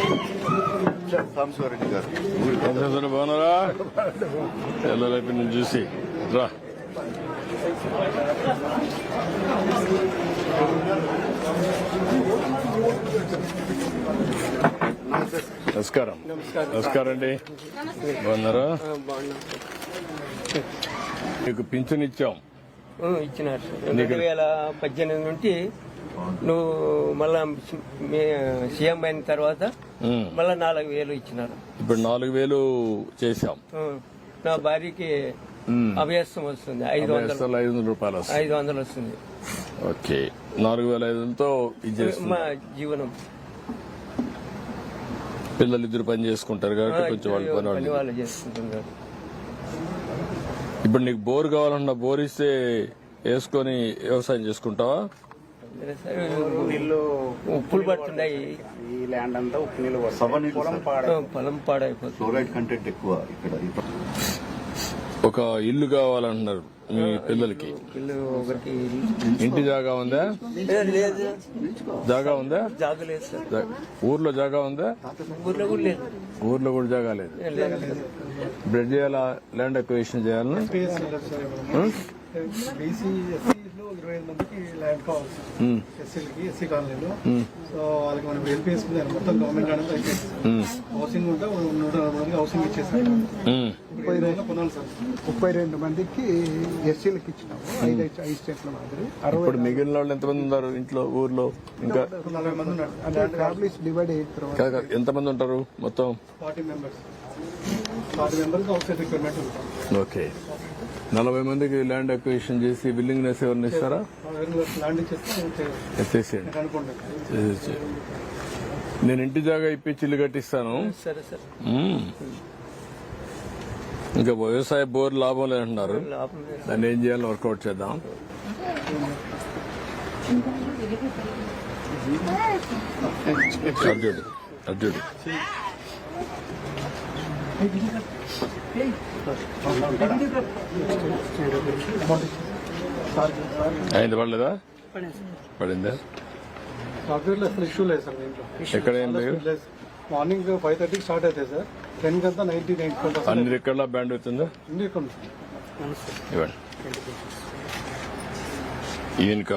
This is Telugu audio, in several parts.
సాంబశివరెడ్డి గారు బాగున్నారా? ఎల్లరైపు నేను చూసి రా. నమస్కారం. నమస్కారం అండి. బాగున్నారా? మీకు పింఛన్ ఇచ్చాం. ఇచ్చినారు 2018 నుండి నువ్వు మళ్ళా సీఎం అయిన తర్వాత మళ్ళా 4,000 ఇచ్చినారు. ఇప్పుడు 4,000 చేశాం. నా భార్యకి అభ్యాసం వస్తుంది 500 రూపాయలు 500 వస్తుంది. ఓకే, 4,500తో మా జీవనం. పిల్లలు ఇద్దరు పని చేసుకుంటారు కాబట్టి కొంచెం పని వాళ్ళు చేసుకుంటున్నారు. ఇప్పుడు నీకు బోర్ కావాలన్నా బోర్ ఇస్తే వేసుకొని వ్యవసాయం చేసుకుంటావా? ఉప్పులు పడుతున్నాయి, ఈ ల్యాండ్ అంతా ఉప్పు నీళ్ళు పొలం పాడైపోతుంది. ఫ్లోరైడ్ కంటెంట్ ఎక్కువ ఇక్కడ. ఒక ఇల్లు కావాలంటున్నారు మీ పిల్లలకి. ఒకరికి ఇంటి జాగా ఉందా? లేదు, జాగా ఉందా? జాగా లేదు సార్. ఊర్లో జాగా ఉందా? ఊర్లో కూడా లేదు. ఊర్లో కూడా జాగా లేదు. బ్రెడ్ చేయాలా? ల్యాండ్ అక్విజిషన్ చేయాలని బీసీ ఎస్సీలో 25 మందికి ల్యాండ్ కావాలి ఎస్సీలకి, ఎస్సీ కాలనీలో. సో వాళ్ళకి మనం వెళ్ళిపోయింది మొత్తం గవర్నమెంట్ అనేది అయిపోయింది. హౌసింగ్ ఉంటే 140 మందికి హౌసింగ్ ఇచ్చేసారు. 32 మందికి ఎస్సీలకు ఇచ్చినాము. 5 స్టేట్ల మాదిరి. ఇప్పుడు మిగిలిన వాళ్ళు ఎంతమంది ఉన్నారు ఇంట్లో ఊర్లో? ఇంకా 40 మంది ఉన్నారు. అంటే ఫ్యామిలీస్ డివైడ్ అయిన తర్వాత ఎంతమంది ఉంటారు మొత్తం? 40 members. 40 members outside requirement ఉంటాం. ఓకే, 40 మందికి ల్యాండ్ అక్విజిషన్ చేసి విల్లింగ్నెస్ ఎవరిని ఇస్తారా? ల్యాండ్ ఇచ్చేస్తే చేసేయండి. అనుకుంటాను. నేను ఇంటి జాగా ఇప్పించి ఇల్లు కట్టిస్తాను. సరే సార్. ఇంకా వ్యవసాయ బోర్ లాభం లేదంటున్నారు. లాభం లేదు. దాన్ని ఏం చేయాలో వర్కౌట్ చేద్దాం. అర్జుడు అర్జుడు అయింది. పడలేదా? పడిందా? సాఫ్ట్వేర్ లో అసలు ఇష్యూ లేదు సార్. దీంట్లో ఎక్కడ ఏం లేదు. మార్నింగ్ 5:30 స్టార్ట్ అవుతాయి సార్. 10 కంతా 90% అన్ని ఎక్కడ బ్యాండ్ అవుతుందా? అన్ని ఇక్కడ ఇవ్వండి. ఈయనక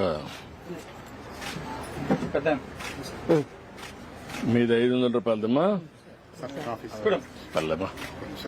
మీది 500 రూపాయలదమ్మా. పర్లేమ్మా.